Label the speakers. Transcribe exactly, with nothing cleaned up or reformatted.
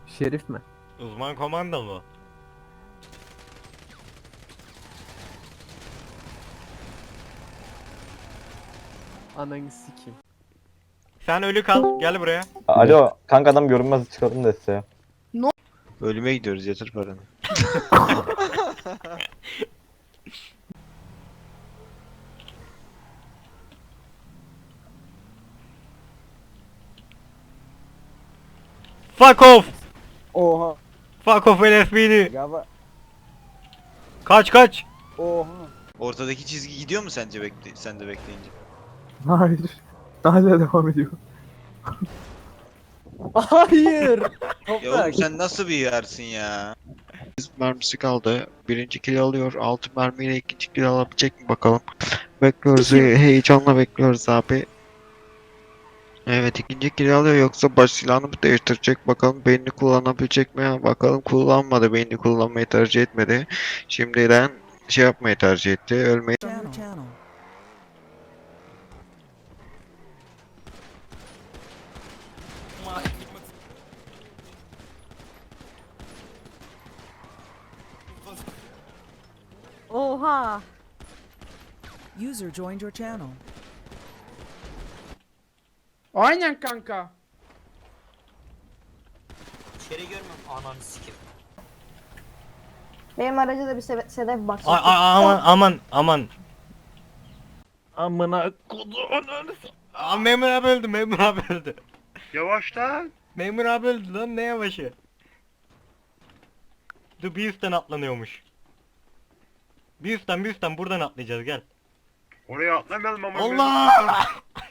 Speaker 1: Şerif mi?
Speaker 2: Uzman komando mu?
Speaker 1: Ananı sikeyim.
Speaker 2: Sen ölü kal. Gel buraya.
Speaker 3: Alo kanka adam görünmez çıkalım da size.
Speaker 4: Ölüme gidiyoruz, yatır paranı.
Speaker 2: Fuck off.
Speaker 5: Oha.
Speaker 2: Fuck off L S P D.
Speaker 5: Galiba.
Speaker 2: Kaç kaç.
Speaker 5: Oha.
Speaker 4: Ortadaki çizgi gidiyor mu sence bekle sen de bekleyince?
Speaker 1: Hayır. Hala devam ediyor.
Speaker 5: Hayır.
Speaker 4: Ya
Speaker 5: Toprak.
Speaker 4: oğlum sen nasıl bir yersin ya? Mermisi kaldı. Birinci kill alıyor. Altı mermiyle ikinci kill alabilecek mi bakalım. Bekliyoruz. he- Heyecanla bekliyoruz abi. Evet, ikinci kill alıyor, yoksa baş silahını mı değiştirecek bakalım, beynini kullanabilecek mi? Bakalım, kullanmadı, beynini kullanmayı tercih etmedi. Şimdiden şey yapmayı tercih etti, ölmeyi.
Speaker 6: Channel.
Speaker 7: Oha.
Speaker 6: User joined your channel.
Speaker 8: Aynen kanka.
Speaker 7: Benim araca da bir sebe- sedef bak.
Speaker 2: Ay, ay, aman aman aman.
Speaker 1: Amına koduğun.
Speaker 2: Aa, memur abi öldü, memur abi öldü.
Speaker 4: Yavaş lan.
Speaker 2: Memur abi öldü lan, ne yavaşı. Dur, bir üstten atlanıyormuş. Bir üstten bir üstten buradan atlayacağız, gel.
Speaker 4: Oraya atlamayalım ama.
Speaker 2: Allah!